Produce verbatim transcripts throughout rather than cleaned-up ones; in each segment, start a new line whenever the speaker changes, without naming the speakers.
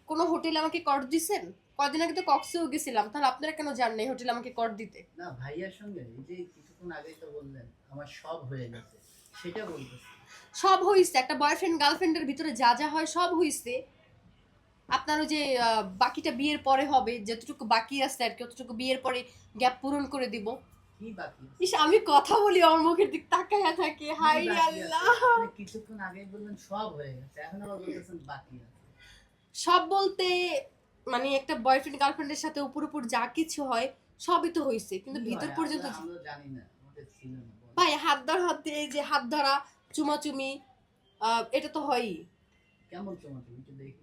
কোনো হোটেলে আমাকে কর দিছেন? কদিন আগে তো কক্সেও গেছিলাম, তাহলে আপনারা কেন যান নাই হোটেলে আমাকে কর দিতে?
না ভাইয়ার সঙ্গে এই যে কিছুক্ষণ আগেই তো বললেন আমার সব হয়ে গেছে, সেটা বলতেছি।
সব হইছে, একটা বয়ফ্রেন্ড গার্লফ্রেন্ডের ভিতরে যা যা হয় সব হইছে। আপনার ওই যে আহ, বাকিটা বিয়ের পরে হবে, যতটুকু বাকি আছে আর কি, অতটুকু বিয়ের পরে গ্যাপ পূরণ করে দিব।
কি বাকি আছে?
ইস, আমি কথা বলি আমার মুখের দিক তাকায়া থাকে,
কি
হাই রে
বাকি আছে?
আল্লাহ।
আপনি কিছুক্ষণ আগেই বললেন সব হয়ে গেছে, এখন আবার বলতেছেন বাকি আছে।
সব বলতে মানে একটা বয়ফ্রেন্ড গার্লফ্রেন্ডের সাথে উপর উপর যা কিছু হয় সবই তো হইছে, কিন্তু
কি
ভিতর
হয়?
পর্যন্ত
আমরা আমরা জানি না, আমাদের ছিল না। বলেন।
ভাই হাত ধর হাত দিয়ে এই যে হাত ধরা, চুমাচুমি, আহ, এটা তো হয়ই।
কেমন তোমার, তুমি একটু দেখি।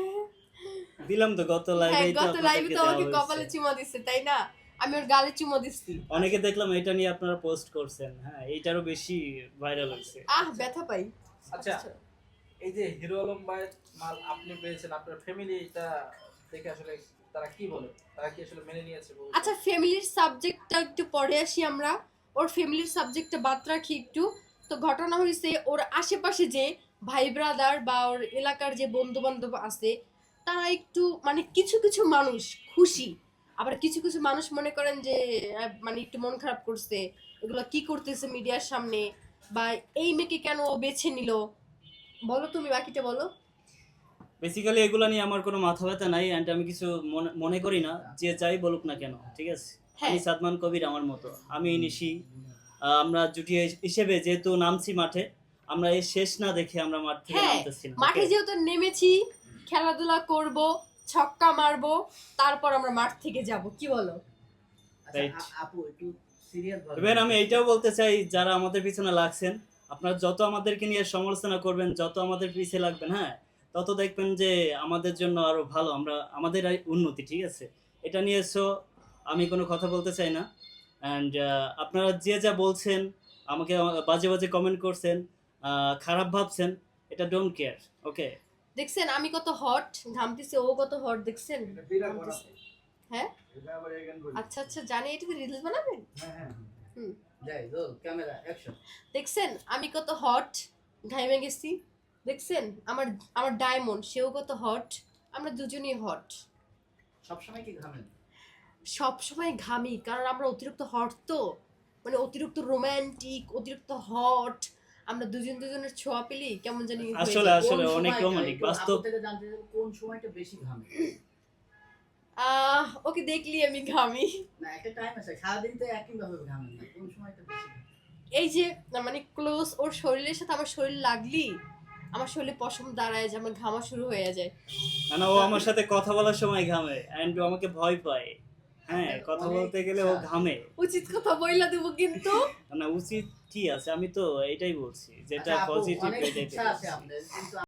দিলাম তো গত
হ্যাঁ,
লাইভেই তো
গত লাইভে
আপনাদেরকে
তো
দেওয়া
আমাকে
হয়েছে।
কপালে চুমা দিচ্ছে, তাই না? আমি ওর গালে চুমা দিচ্ছি।
অনেকে দেখলাম এটা নিয়ে আপনারা পোস্ট করছেন, হ্যাঁ এইটারও বেশি ভাইরাল হয়েছে।
আহ, ব্যথা পাই।
আচ্ছা, এই যে হিরো আলম ভাইয়ের মাল আপনি পেয়েছেন, আপনার ফ্যামিলি এটা দেখে আসলে তারা কি বলে, তারা কি আসলে মেনে নিয়েছে? বলতে
আচ্ছা, ফ্যামিলির সাবজেক্টটা একটু পরে আসি আমরা। ওর ফ্যামিলির সাবজেক্টটা বাদ রাখি একটু। তো ঘটনা হয়েছে, ওর আশেপাশে যে ভাই ব্রাদার বা ওর এলাকার যে বন্ধু বান্ধব আছে, তারা একটু মানে কিছু কিছু মানুষ খুশি, আবার কিছু কিছু মানুষ মনে করেন যে আহ, মানে একটু মন খারাপ করছে, এগুলো কি করতেছে মিডিয়ার সামনে, বা এই মেয়েকে কেন ও বেছে নিল। বলো তুমি, বাকিটা বলো।
বেসিক্যালি এগুলা নিয়ে আমার কোনো মাথা ব্যথা নাই, অ্যান্ড আমি কিছু মনে- মনে করি না, যে যাই বলুক না কেন, ঠিক আছে।
হ্যাঁ।
আমি সাদমান কবির আমার মতো, আমি নিশি, আহ, আমরা জুটি হিসেবে যেহেতু নামছি মাঠে, আমরা এই শেষ না দেখে আমরা মাঠ থেকে
হ্যাঁ,
নামতেছি না,
মাঠে
okay?
যেহেতু নেমেছি, খেলাধুলা করব, ছক্কা মারবো, তারপর আমরা মাঠ থেকে যাব, কি বলো?
আচ্ছা
Right.
আ- আপু একটু সিরিয়াস ভাবে।
এবার আমি এইটাও বলতে চাই, যারা আমাদের পিছনে লাগছেন, আপনারা যত আমাদেরকে নিয়ে সমালোচনা করবেন, যত আমাদের পিছিয়ে লাগবেন, হ্যাঁ তত দেখবেন যে আমাদের জন্য আরো ভালো, আমরা আমাদের এই উন্নতি, ঠিক আছে। এটা নিয়ে সো আমি কোনো কথা বলতে চাই না। অ্যান্ড আপনারা যে যা বলছেন, আমাকে বাজে বাজে কমেন্ট করছেন, আহ, খারাপ ভাবছেন, এটা ডোন্ট কেয়ার, ওকে।
দেখছেন আমি কত হট ঘামতেছি, ও কত হট, দেখছেন ঘামতেছে। হ্যাঁ, আচ্ছা আচ্ছা, জানি এটাতে রিলস বানাবেন। হুম,
যাই রোল ক্যামেরা অ্যাকশন।
দেখছেন আমি কত হট ঘাইমে গেছি। দেখছেন আমার আমার ডায়মন্ড, সেও কত হট, আমরা দুজনেই হট।
সবসময় কি ঘামেন?
সব সময় ঘামি, কারণ আমরা অতিরিক্ত হট, তো মানে অতিরিক্ত রোমান্টিক, অতিরিক্ত হট, আমরা দুজন দুজনের ছোঁয়া পেলি কেমন জানি হয়ে
আসলে
যায়।
আসলে
কোন
অনেক
সময়টা,
রোমান্টিক
একটু
বাস্তব।
আপু থেকে জানতে চাই, কোন সময়টা বেশি ঘামে?
আহ ওকে দেখলি আমি ঘামি।
না একটা টাইম আছে, সারাদিন তো একই ভাবে ঘামেন না, কোন সময়টা বেশি ঘামেন?
এই যে না, মানে ক্লোজ ওর শরীরের সাথে আমার শরীর লাগলি আমার শরীরে পশম দাঁড়ায় যায়, আমার ঘামা শুরু হয়ে যায়।
না না, ও আমার সাথে কথা বলার সময় ঘামে, অ্যান্ড ও আমাকে ভয় পায়, হ্যাঁ কথা বলতে গেলে ও ঘামে।
উচিত কথা বইলা দেবো কিন্তু।
না উচিত কি আছে, আমি তো এটাই বলছি, যেটা
আচ্ছা, আপু,
পজিটিভ
অনেক
এটাই
ইচ্ছা আছে
বলছি।
আপনার, কিন্তু